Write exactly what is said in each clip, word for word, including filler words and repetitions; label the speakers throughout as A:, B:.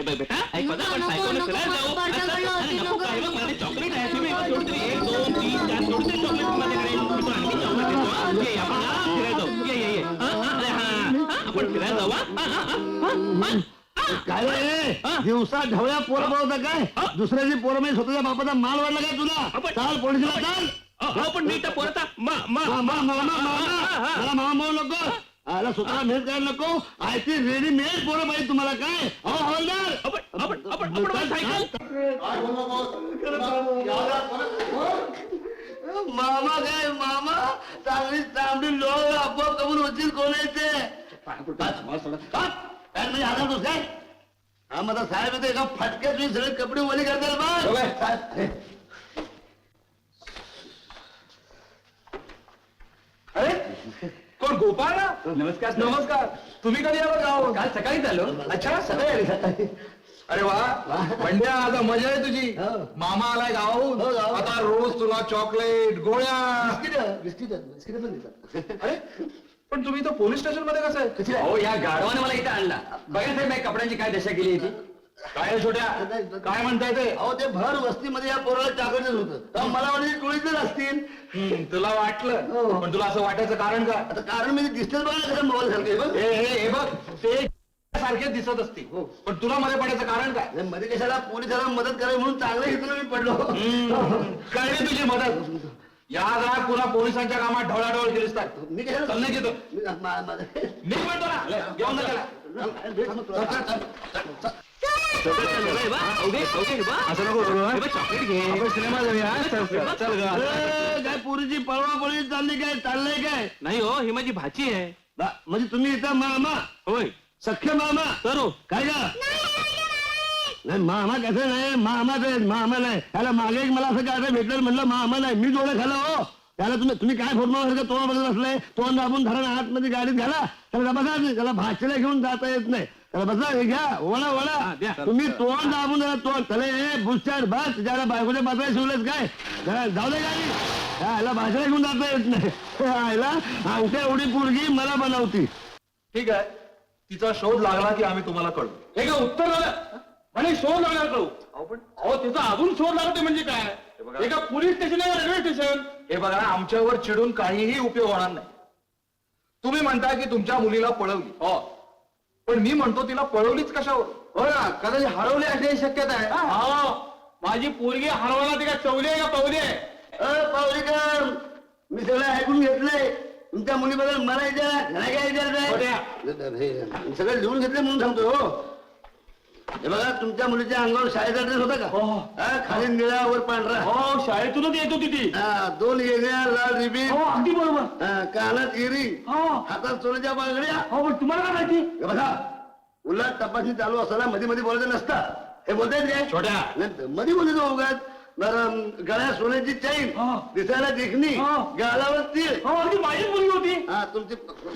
A: बेटा ऐक बघा आपण सायकल फिरायला जाऊ चॉकलेट आहे तुम्ही थोडी एक दोन तीन चार थोडी चॉकलेट माझ्याकडे आणखी चॉकलेट देतो ये आपण फिरायला जाऊ ये ये ये अरे हा आपण फिरायला जाऊ
B: काय रे दिवसा ढवळ्या पोरं बोलता काय दुसऱ्याची पोरं म्हणजे स्वतःच्या बापाचा माल वाढला काय तुला चाल पोलिसला चाल
A: पण मी तर पोरता
B: मला मामा म्हणू नको आला स्वतःला मेहनत करायला नको आय ती रेडीमेड पोरं पाहिजे तुम्हाला काय अहो हवालदार मामा काय मामा चांगली चांगली लोक आपोआप कमून होतील कोण आहे ते हजार तोस काय हा माझा साहेब येतो एका फटक्यात तुम्ही सगळे कपडे ओले करताल बा
C: अरे कोण गोपाळ ना नमस्कार नमस्कार तुम्ही कधी आलो गाव काल सकाळीच आलो अच्छा सकाळी सकाळी अरे वा पंड्या आता मजा आहे तुझी मामा आलाय गावाहून आता रोज तुला चॉकलेट गोळ्या
B: बिस्किट बिस्किट पण देतात
C: अरे पण तुम्ही तर पोलीस स्टेशन मध्ये कसं आहे
D: हो या गाढवाने मला इथे आणला बघा साहेब मी कपड्यांची काय दशा केली होती
C: काय छोट्या काय म्हणताय ते
B: अहो ते भर वस्तीमध्ये या पोराला चाकरच होतं मला वाटलं टोळीतच असतील
C: तुला वाटलं पण तुला असं वाटायचं कारण काय
B: आता कारण मी दिसतेच बघा कसं मोबाईल सारखे
C: हे बघ ते सारखेच दिसत असते पण तुला मध्ये पडायचं कारण काय
B: मध्ये कशाला पोलिसाला मदत करावी म्हणून चांगलं घेतलं मी पडलो
C: कळली तुझी मदत या जरा पुन्हा पोलिसांच्या कामात ढवळाढवळ केलीस काय
B: मी कशाला
C: चाललं घेतो
B: मी
C: मी म्हणतो ना घेऊन जा त्याला
A: असं नको चॉकलेट घे
C: सिनेमा जाऊया चल ग
B: काय पुरीची पळवा पळवी चालली काय चाललंय काय
A: नाही हो ही माझी भाची आहे
B: म्हणजे तुम्ही इथं मामा
A: होय
B: सख्य मामा
A: करू
B: काय का नाही मामा कसं नाही मामाच आहे मामा नाही त्याला मागे एक मला असं काय भेटलं म्हणलं मामा नाही मी जोडं खाल्लं हो त्याला तुम्ही तुम्ही काय फोडणार तोंड बघत असलाय तोंड दाबून धरण आतमध्ये गाडीत घाला त्याला बघा त्याला भाचीला घेऊन जाता येत नाही त्याला बसा हे घ्या वळा वळा तुम्ही तोंड दाबून जरा तोंड त्याला हे बुस्टर बस ज्याला बायकोच्या पात्राला शिवलेच काय जरा जाऊ दे गाडी ह्याला भाषेला घेऊन जाता येत नाही ह्याला आमच्या एवढी पोरगी मला बनवती
C: ठीक आहे तिचा शोध लागला की आम्ही तुम्हाला कळू
A: हे का उत्तर झालं म्हणे शोध लागणार कळू
C: पण
A: अहो त्याचा अजून शोध लागते म्हणजे काय हे का पोलीस स्टेशन आहे रेल्वे स्टेशन
C: हे बघा आमच्यावर चिडून काहीही उपयोग होणार नाही तुम्ही म्हणता की तुमच्या मुलीला पळवली
A: हो
C: पण मी म्हणतो तिला पळवलीच कशावर
B: हो ना कदाचित हरवली असण्याची शक्यता आहे
A: हा माझी पोरगी हरवला ती का चवली आहे का पावली आहे
B: अ पावलीकर मी सगळं ऐकून घेतलंय तुमच्या मुलीबद्दल मला विचारा काय विचारताय सगळं लिहून घेतलं म्हणून सांगतो हो हे बघा तुमच्या मुलीच्या अंगावर शाळेचा ड्रेस होता का खाली निळा वर पांढरा
A: हो शाळेतूनच येत होती ती
B: दोन येण्या लाल रिबीन
A: हो अगदी बरोबर
B: कानात इरिंग
A: हो
B: हातात सोन्याच्या बांगड्या
A: हो पण तुम्हाला काय माहिती
B: हे बघा उलट तपासणी चालू असताना मध्ये मध्ये बोलायचं नसतं हे बोलतायत काय
A: छोट्या
B: मध्ये मध्ये तो उगाच बरं गळ्यात सोन्याची चैन दिसायला देखणी गालावर तीळ
A: हो अगदी माझीच मुलगी होती
B: हा तुमची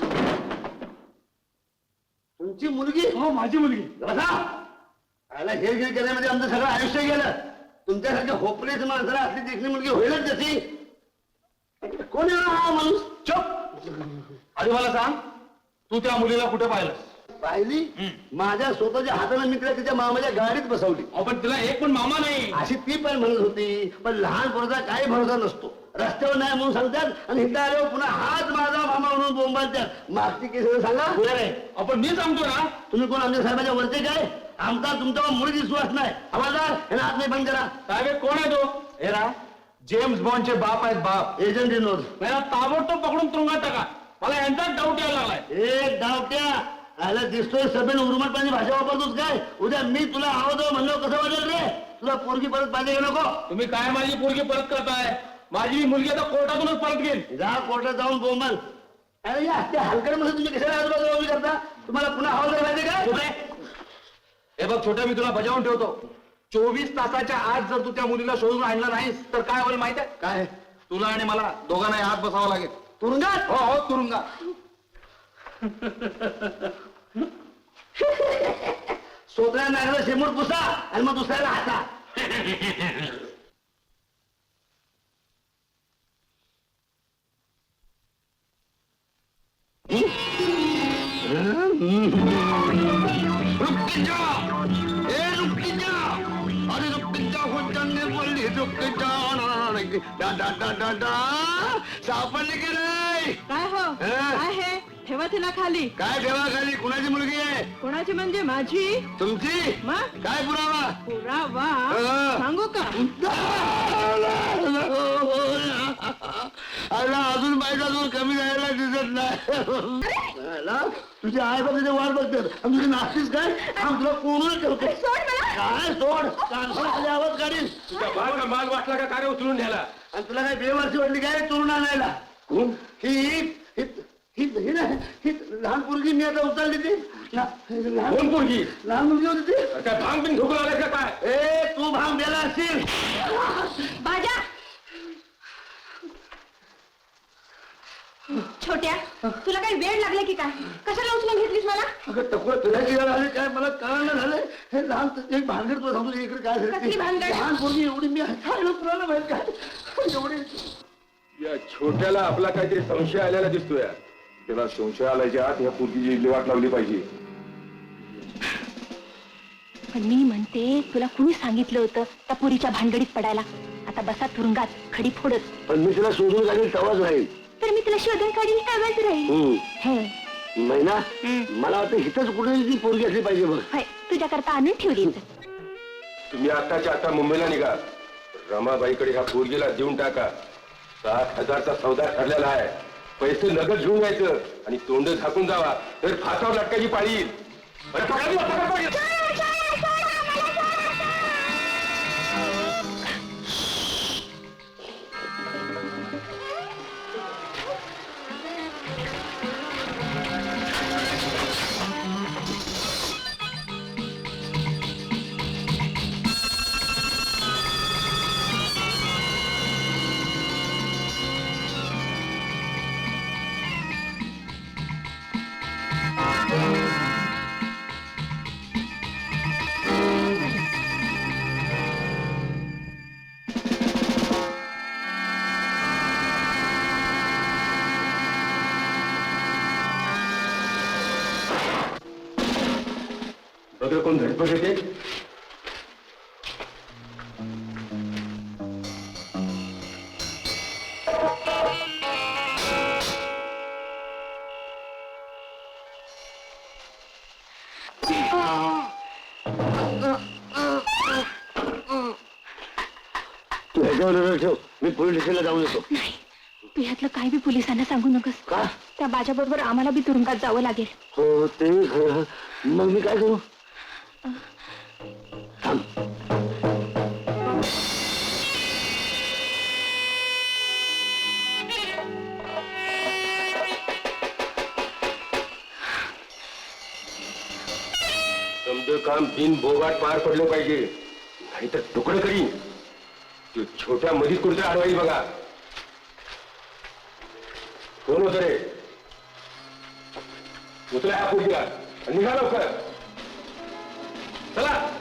B: तुमची मुलगी
A: हो माझी मुलगी
B: बघा आला हे हे केल्यामध्ये आमचं सगळं आयुष्य गेलं तुमच्यासारख्या होपलेस माणसाला असली देखणी मुलगी होईलच तशी कोण येणार हा माणूस
C: चुप आधी मला सांग तू त्या मुलीला कुठे पाहिलंस
B: पाहिली माझ्या स्वतःच्या हाताने मी तिला तिच्या मामाच्या गाडीत बसवली
A: पण तिला एक पण मामा नाही
B: अशी ती पण म्हणत होती पण लहान पोराचा काही भरोसा नसतो रस्त्यावर नाही म्हणून सांगतात आणि हिंदा आल्यावर पुन्हा हाच माझा मामा म्हणून बोंबालतात मागची केस सांगा
A: आपण मी सांगतो ना
B: तुम्ही कोण आमच्या साहेबाच्या वरचे काय आमचा तुमच्यावर मुळीच विश्वास नाही हवालदार यांना हात नाही बंद करा
A: साहेब कोण आहे तो
C: हे रा जेम्स बॉन्डचे बाप आहेत बाप
B: एजंट इनोज
A: मला ताबडतोब पकडून तुरुंगात टाका मला यांचाच डाऊट यायला लागलाय
B: एक डावट्या आला दिसतोय सभेन उर्मटपणाची भाषा वापरतोस काय उद्या मी तुला आवडतो म्हणलो कसं वाटेल रे तुला पोरगी परत पाहिजे का नको
A: तुम्ही काय माझी पोरगी परत करताय माझी मुलगी आता कोर्टातूनच परत घेईल
B: जा कोर्टात जाऊन बोंबल अरे या हलकड्यामध्ये तुम्ही कशाला आजूबाजूला उभी करता तुम्हाला पुन्हा हवालदार पाहिजे काय
C: हे बघ छोट्या मी तुला बजावून ठेवतो चोवीस तासाच्या आत जर तू त्या मुलीला शोधून आणलं नाहीस तर काय होईल माहित आहे
B: काय
C: तुला आणि मला दोघांनाही हात बसावा लागेल
B: तुरुंगात
C: हो हो तुरुंगा
B: सोत्र्या नागरा शेमूट पुसा आणि मग दुसऱ्याला हाता
C: रुक जाओ ए
B: की डा डा डा डा डा सापडली की नाही
E: काय हो
B: हा?
E: काय हे ठेवा तिला खाली.
B: काय ठेवा खाली कुणाची मुलगी आहे
E: कोणाची म्हणजे माझी.
B: तुमची
E: मग
B: काय पुरावा
E: पुरावा
B: हा.
E: सांगू का.
B: अरे अजून बायका दूर कमी जायला दिसत नाही अला, तुझी आई बघ तिथे वाट बघतात आणि तुझी नाचतीस काय आम तुला कोणून करतो काय सोड कानफडाखाली आवाज काढीन
C: माल माल वाटला का काय उचलून न्याला
B: आणि तुला काय बेवारची वाटली काय चोरून आणायला
C: कोण
B: ही ही ही ही नाही ही लहान पोरगी मी आता उचलली ती ला- लहान
C: कोण पोरगी
B: लहान मुलगी होती ती
C: काय भांग बिन ठोकून आलाय का काय
B: ए तू भांग द्यायला असशील
E: बाजा छोट्या तुला काही वेळ लागला की काय कशाला उचलून घेतलीस मला.
B: अगं टकुरा फिरायची वेळ आली काय मला कळलं झालंय हे लहान एक भानगड तुला सांगतो इकडे काय झालं
E: कसली
B: ते.
E: भानगड?
B: लहान पोरगी एवढी मी खायला कुणाला माहित काय एवढी
C: या छोट्याला आपला काहीतरी संशय आलेला दिसतोय त्याला संशय आल्याच्या आत ह्या पोरगीची विल्हेवाट लावली पाहिजे.
F: पण मी म्हणते तुला कुणी सांगितलं होतं त्या पुरीच्या भानगडीत पडायला. आता बसा तुरुंगात खडी फोडत.
B: पण मी तिला शोधून काढेल तवाच राहील
F: तर मी तुला शोधून काढील तेव्हाच राहील.
B: हम्म. महिना मला वाटतं हिथंच कुठे ती पोरगी असली पाहिजे बघ
F: होय तुझ्याकरता आणून ठेवली.
C: तुम्ही आताच्या आता मुंबईला निघा रमाबाईकडे ह्या पोरगीला देऊन टाका. सात हजारचा सौदा ठरलेला आहे. पैसे नगद घेऊन यायचं आणि तोंड झाकून जावा तर फासावर लटकायची पाळी येईल. अरे पकडा की, पकडा, पकडा. बघा कोण धडपड येते.
B: तू ह्याच्यावर नजर ठेव मी पोलीस स्टेशनला जाऊन येतो
F: तू ह्यातलं काय बी पोलिसांना सांगू नकोस.
B: का
F: त्या बाजा बरोबर आम्हाला बी तुरुंगात जावं लागेल.
B: हो ते खरं. मग मी काय करू थांब
C: समज काम बिन बोगाट पार पडलं पाहिजे नाही तर तुकडं करीन. तू छोट्या मधीत कुठे अडवाईल बघा. कोण होत रे उचला ह्या पोरगीला आणि निघा लवकर चला.